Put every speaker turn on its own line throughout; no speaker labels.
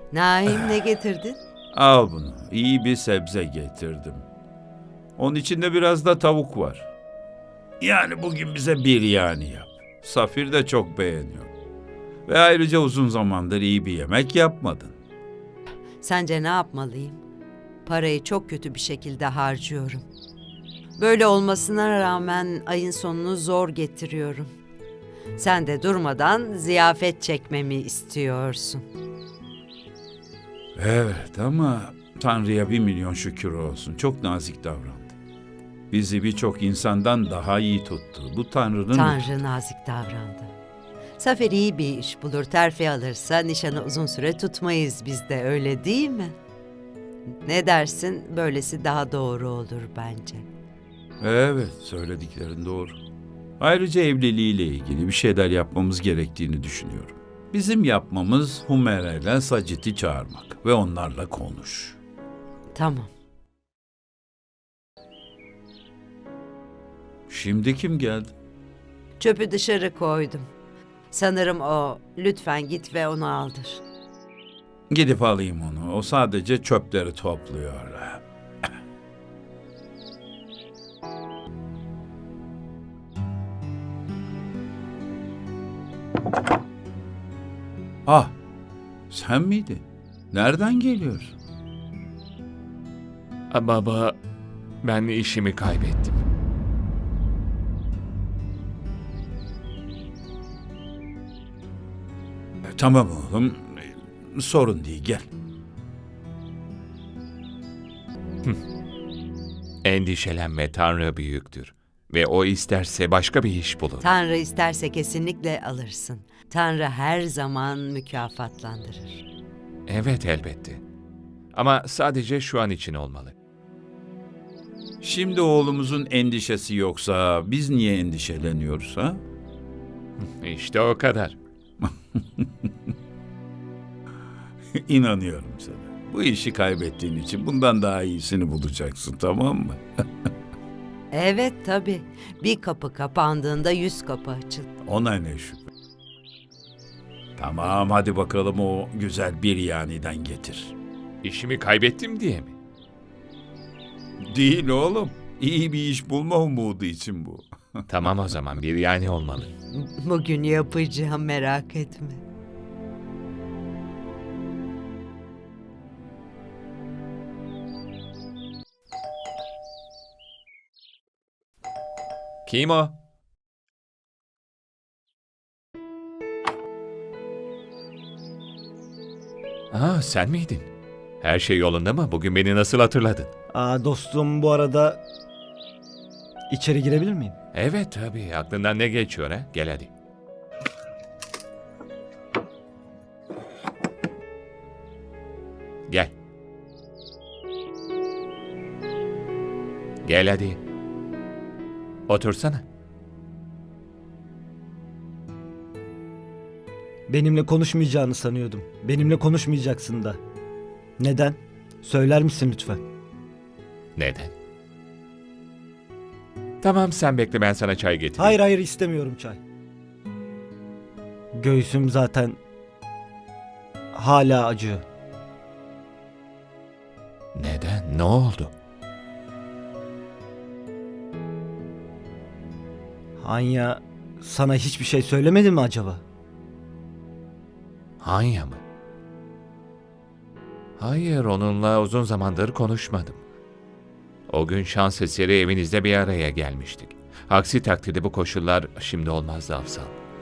Naim ne getirdin?
Al bunu. İyi bir sebze getirdim. Onun içinde biraz da tavuk var. Yani bugün bize biryani yap. Safir de çok beğeniyor. Ve ayrıca uzun zamandır iyi bir yemek yapmadın.
Sence ne yapmalıyım? Parayı çok kötü bir şekilde harcıyorum. Böyle olmasına rağmen ayın sonunu zor getiriyorum. Sen de durmadan ziyafet çekmemi istiyorsun.
Evet ama Tanrı'ya 1.000.000 şükür olsun. Çok nazik davrandı. Bizi birçok insandan daha iyi tuttu. Bu Tanrı'nın...
Tanrı nazik davrandı. Zafer iyi bir iş bulur, terfi alırsa nişanı uzun süre tutmayız biz de, öyle değil mi? Ne dersin? Böylesi daha doğru olur bence.
Evet, söylediklerin doğru. Ayrıca evliliğiyle ilgili bir şeyler yapmamız gerektiğini düşünüyorum. Bizim yapmamız Humera ile Sacit'i çağırmak ve onlarla konuş.
Tamam.
Şimdi kim geldi?
Çöpü dışarı koydum. Sanırım o. Lütfen git ve onu aldır.
Gidip alayım onu. O sadece çöpleri topluyor. Ah, sen miydin? Nereden geliyorsun?
Baba, ben işimi kaybettim.
Tamam oğlum, sorun değil, gel.
Endişelenme, Tanrı büyüktür. Ve o isterse başka bir iş bulur.
Tanrı isterse kesinlikle alırsın. Tanrı her zaman mükafatlandırır.
Evet, elbette. Ama sadece şu an için olmalı.
Şimdi oğlumuzun endişesi yoksa biz niye endişeleniyoruz ha?
İşte o kadar.
İnanıyorum sana. Bu işi kaybettiğin için bundan daha iyisini bulacaksın, tamam mı?
Evet tabii. Bir kapı kapandığında 100 kapı açılır.
Ona ne şüphe. Tamam, hadi bakalım o güzel biryaniden getir.
İşimi kaybettim diye mi?
Değil oğlum. İyi bir iş bulma umudu için bu.
Tamam o zaman, bir yani olmalı.
Bugün yapacağım, merak etme.
Kim o? Sen miydin? Her şey yolunda mı? Bugün beni nasıl hatırladın?
Dostum, bu arada içeri girebilir miyim?
Evet tabii. Aklından ne geçiyor ha? Gel hadi. Gel. Gel hadi. Otursana.
Benimle konuşmayacağını sanıyordum. Benimle konuşmayacaksın da. Neden? Söyler misin lütfen?
Neden? Tamam sen bekle, ben sana çay getireyim.
Hayır hayır, istemiyorum çay. Göğsüm zaten hala acıyor.
Neden? Ne oldu?
Hanya sana hiçbir şey söylemedi mi acaba?
Hanya mı? Hayır, onunla uzun zamandır konuşmadım. O gün şans eseri evinizde bir araya gelmiştik. Aksi takdirde bu koşullar şimdi olmazdı Afsal.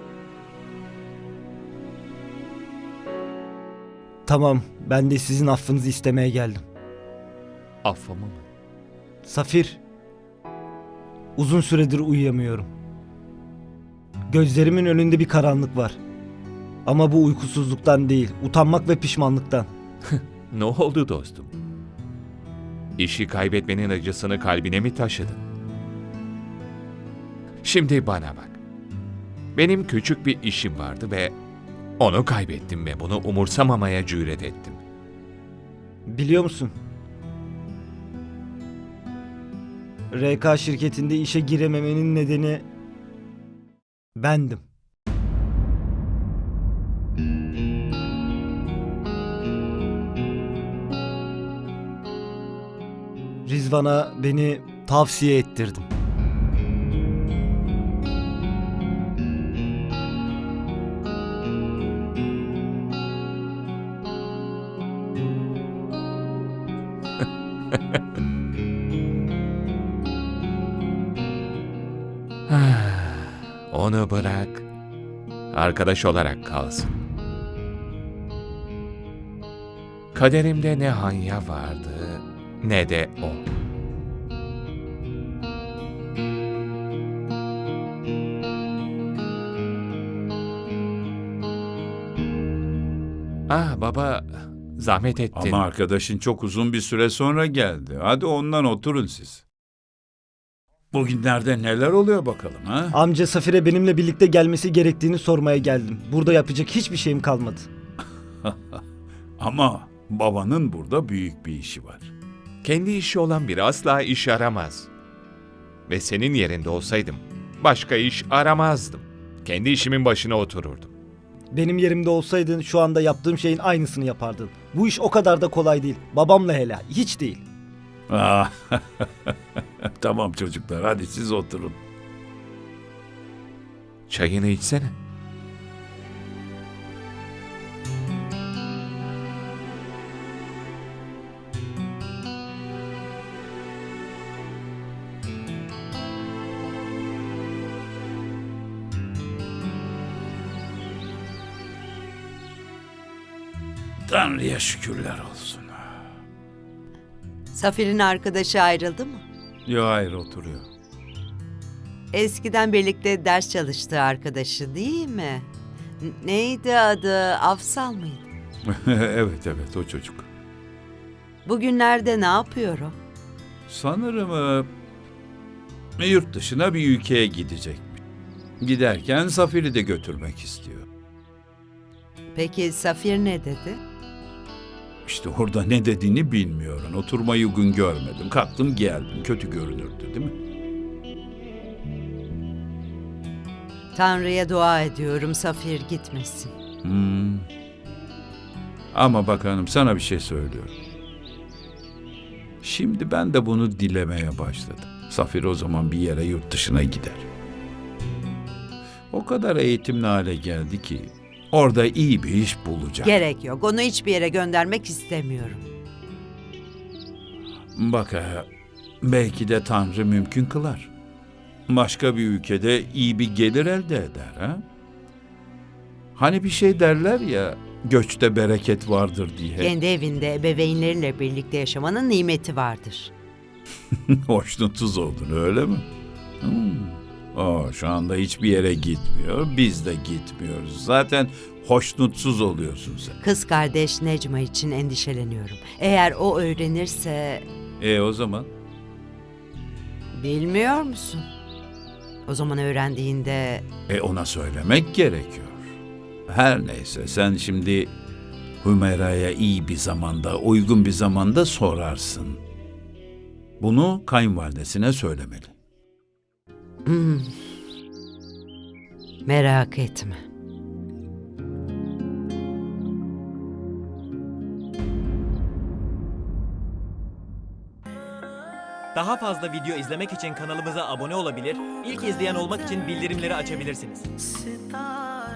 Tamam, ben de sizin affınızı istemeye geldim.
Affımı mı?
Safir, uzun süredir uyuyamıyorum. Gözlerimin önünde bir karanlık var. Ama bu uykusuzluktan değil, utanmak ve pişmanlıktan.
Ne oldu dostum? İşi kaybetmenin acısını kalbine mi taşıdın? Şimdi bana bak. Benim küçük bir işim vardı ve onu kaybettim ve bunu umursamamaya cüret ettim.
Biliyor musun? RK şirketinde işe girememenin nedeni bendim. Rizvan'a beni tavsiye ettirdim.
Onu bırak. Arkadaş olarak kalsın. Kaderimde ne Hanya vardı ne de o. Baba, zahmet ettin.
Ama arkadaşın çok uzun bir süre sonra geldi. Hadi ondan oturun siz. Bugünlerde neler oluyor bakalım ha?
Amca Safir'e benimle birlikte gelmesi gerektiğini sormaya geldim. Burada yapacak hiçbir şeyim kalmadı.
Ama babanın burada büyük bir işi var.
Kendi işi olan biri asla iş aramaz. Ve senin yerinde olsaydım başka iş aramazdım. Kendi işimin başına otururdum.
Benim yerimde olsaydın şu anda yaptığım şeyin aynısını yapardın. Bu iş o kadar da kolay değil. Babamla hele hiç değil.
Ah, tamam çocuklar, hadi siz oturun.
Çayını içsene.
Tanrı'ya şükürler olsun.
Safir'in arkadaşı ayrıldı mı?
Yo, hayır, oturuyor.
Eskiden birlikte ders çalıştığı arkadaşı değil mi? Neydi adı? Afsal mıydı?
Evet, o çocuk.
Bugünlerde ne yapıyor o?
Sanırım yurt dışına bir ülkeye gidecek. Giderken Safir'i de götürmek istiyor.
Peki Safir ne dedi?
İşte orada ne dediğini bilmiyorum. Oturmayı uygun görmedim. Kalktım geldim. Kötü görünürdü değil mi?
Tanrı'ya dua ediyorum Safir gitmesin.
Ama bak hanım, sana bir şey söylüyorum. Şimdi ben de bunu dilemeye başladım. Safir o zaman bir yere yurt dışına gider. O kadar eğitimli hale geldi ki orada iyi bir iş bulacak.
Gerek yok. Onu hiçbir yere göndermek istemiyorum.
Bak belki de Tanrı mümkün kılar. Başka bir ülkede iyi bir gelir elde eder ha? Hani bir şey derler ya, göçte bereket vardır diye.
Kendi evinde ebeveynleriyle birlikte yaşamanın nimeti vardır.
Hoşnutsuz oldun öyle mi? Şu anda hiçbir yere gitmiyor. Biz de gitmiyoruz. Zaten hoşnutsuz oluyorsun sen.
Kız kardeş Necma için endişeleniyorum. Eğer o öğrenirse...
O zaman?
Bilmiyor musun? O zaman öğrendiğinde...
Ona söylemek gerekiyor. Her neyse, sen şimdi Hümeyra'ya iyi bir zamanda, uygun bir zamanda sorarsın. Bunu kayınvalidesine söylemeli.
Merak etme.
Daha fazla video izlemek için kanalımıza abone olabilir, ilk izleyen olmak için bildirimleri açabilirsiniz.